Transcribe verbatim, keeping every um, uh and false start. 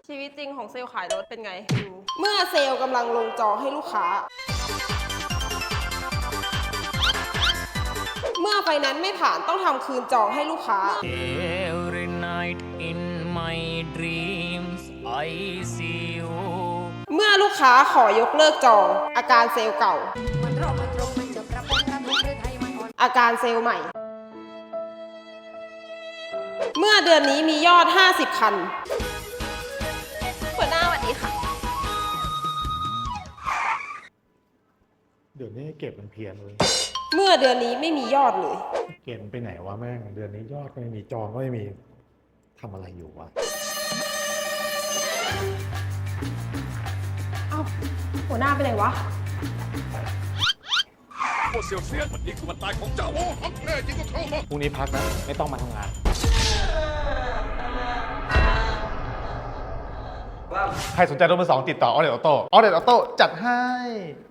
ชีวิตจริงของเซลล์ขายรถเป็นไงดูเมื่อเซลล์กำลังลงจอให้ลูกค้า เมื่อไฟนั้นไม่ผ่านต้องทำคืนจองให้ลูกค้า Every night in my dreams I see you เมื่อลูกค้าขอยกเลิกจอง อาการเซลล์เก่า อาการเซลล์ใหม่ เมื่อเดือนนี้มียอด ห้าสิบ คันหัวหน้าสวัสดีค่ะเดี๋ยวนี้เก็บมันเพี้ยนเลยเมื่อเดือนนี้ไม่มียอดเลยเก็บมันไปไหนวะแม่งเดือนนี้ยอดก็ไม่มีจองก็ไม่มีทำอะไรอยู่วะเอ้าหัวหน้าไปไหนวะพวกเสี่ยวเซียนวันนี้คือวันตายของเจ้าโอ้ฮังแน่จริงก็เข้ามาพรุ่งนี้พักนะไม่ต้องมาทำงานใครสนใจรถมือสองติดต่อออเดตออโต้ออเดตออโต้จัดให้